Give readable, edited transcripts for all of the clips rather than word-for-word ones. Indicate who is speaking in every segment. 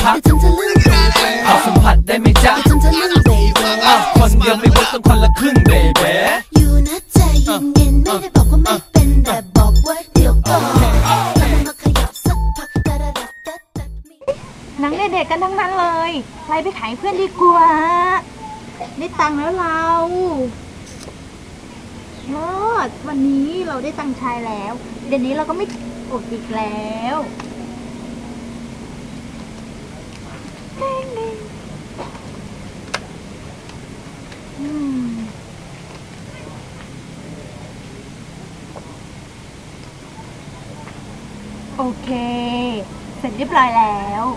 Speaker 1: พักขอสัมผัสได้ไหมจ๊ะคนเดียวไม่เวิร์กต้องคนละครึ่งเบบี
Speaker 2: อยู่นะใจเย็นๆไม่ได้บอกว่าไม่เป็นแต่บอกว่าเดี๋ยวก่อนแล้วมาขยับสักพัก
Speaker 3: หนังเด็กๆกันทั้งนั้นเลยไปขายเพื่อนดีกว่าได้ตังค์แล้วเราวันนี้เราได้ตังค์ชายแล้วเดี๋ยวนี้เราก็ไม่อดอีกแล้วโอเคเสร็จเรียบร้อยแล้ว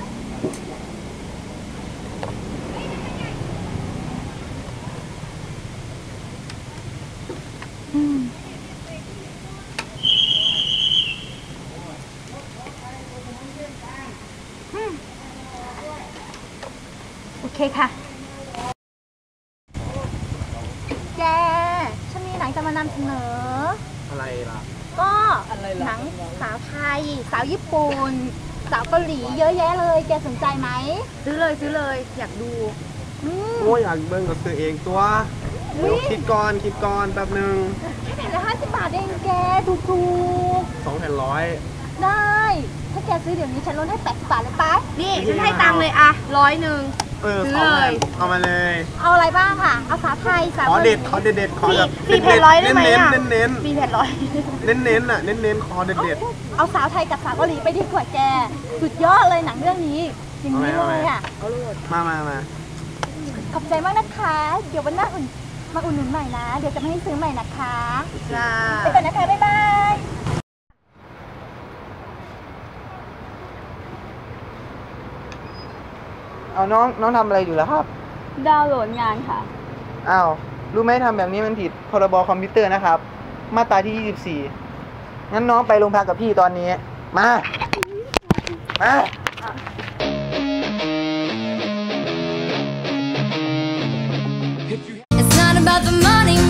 Speaker 3: โอเคค่ะแกฉันมีหนังจะมานำเสนอ
Speaker 4: อะไรล่ะ
Speaker 3: ก็หนังสาวไทยสาวญี่ปุ่นสาวเกาหลีเยอะแยะเลยแกสนใจไหมซื้อเลยอยากดู
Speaker 4: โอ้ยอยากเบิ่งกับตัวเองตัวเดี๋ยวคิดก่อนแป๊บนึง
Speaker 3: แค่แผ่นละ50 บาทเองแกถูก
Speaker 4: 2 แผ่น100
Speaker 3: ได้ถ้าแกซื้อเดี๋ยวนี้ฉันลดให้80 บาทเลยป้า
Speaker 5: นี่ฉันให้ตังค์เลยอะ100ซื้อเลย
Speaker 4: เอามาเลย
Speaker 3: เอาอะไรบ้างค่ะเอาสาวไทยสาว
Speaker 4: ขอเด็ดขอแบบ
Speaker 5: 4 แผ่น100ได้ไหมอะ
Speaker 4: เน้น
Speaker 5: 4 แผ่น100
Speaker 4: เน้นอ่ะเน้นขอเด็ด
Speaker 3: เอาสาวไทยกับสาวเกาหลีไปดีกว่าแกสุดยอดเลยหนังเรื่องนี้จริงเลยอ่ะ
Speaker 4: มา
Speaker 3: ขอบใจมากนะคะเดี๋ยววันหน้ามาอุดหนุนใหม่นะเดี๋ยวจะไม่ให้ซื้อใหม่นะคะ
Speaker 5: จ้า
Speaker 3: ไปก่อนนะคะบ๊ายบาย
Speaker 6: เอาน้องทำอะไรอยู่แล้วครับ
Speaker 5: ดาวน์โหลดงานค่ะ
Speaker 6: อ้าวรู้ไหมทำแบบนี้มันผิดพรบคอมพิวเตอร์นะครับมาตราที่24งั้นน้องไปโรงพักกับพี่ตอนนี้มา
Speaker 2: It's not about the money